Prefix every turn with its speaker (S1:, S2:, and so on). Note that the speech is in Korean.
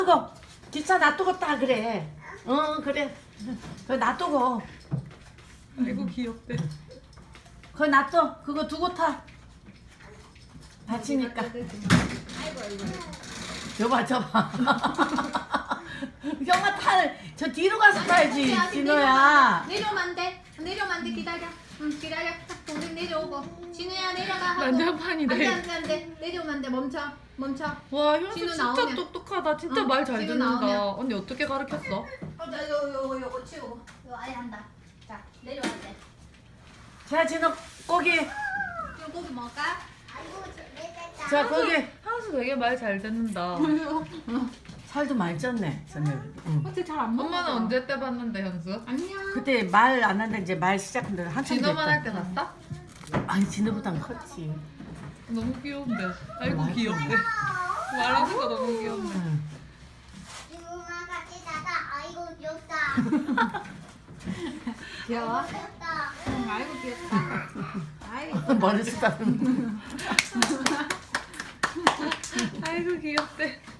S1: 뜨거. 기차 놔두고 따 그래. 그래. 그거 놔두고.
S2: 아이고 귀엽대.
S1: 그거 놔둬. 그거 두고 타. 다치니까. 저봐 저봐. 형아 저 뒤로 가서 타야지 진호야.
S3: 내려오면 안 돼. 내려오면 안 돼. 기다려. 기다려. 동생 내려오고. 진우야 내려가 하고.
S2: 난장판이네.
S3: 안돼. 내려오면 안 돼. 멈춰.
S2: 와 현수
S3: 진우
S2: 진짜
S3: 나오면.
S2: 똑똑하다. 진짜
S3: 응,
S2: 말 잘
S3: 진우
S2: 듣는다.
S3: 나오면.
S2: 언니 어떻게 가르쳤어?
S3: 나 요거 치우고. 요 아예 한다. 자 내려와야 돼.
S1: 자 진호 고기.
S3: 이거 고기 먹을까?
S1: 자 고기.
S2: 현수 되게 말 잘 듣는다.
S1: 살도 많이 쪘네 선생님. 응.
S3: 어째 잘안 먹어.
S2: 엄마는 언제 때 봤는데 현수?
S3: 안녕.
S1: 그때 말 안 하는데 이제 말 시작한 지 한참
S2: 진호만 할
S1: 됐다.
S2: 때 봤어?
S1: 아니 진호보단 컸지.
S2: 너무 귀여운데. 아이고
S1: 맞아.
S2: 귀엽대. 말하는 거 너무 귀엽네.
S1: 응.
S4: 친구가 같이 자다. 아이고 귀엽다.
S3: 귀여워?
S4: 귀엽다.
S3: 아이고 귀엽다. 아이고.
S1: 머리 쓰다듬는.
S2: 아이고 귀엽대.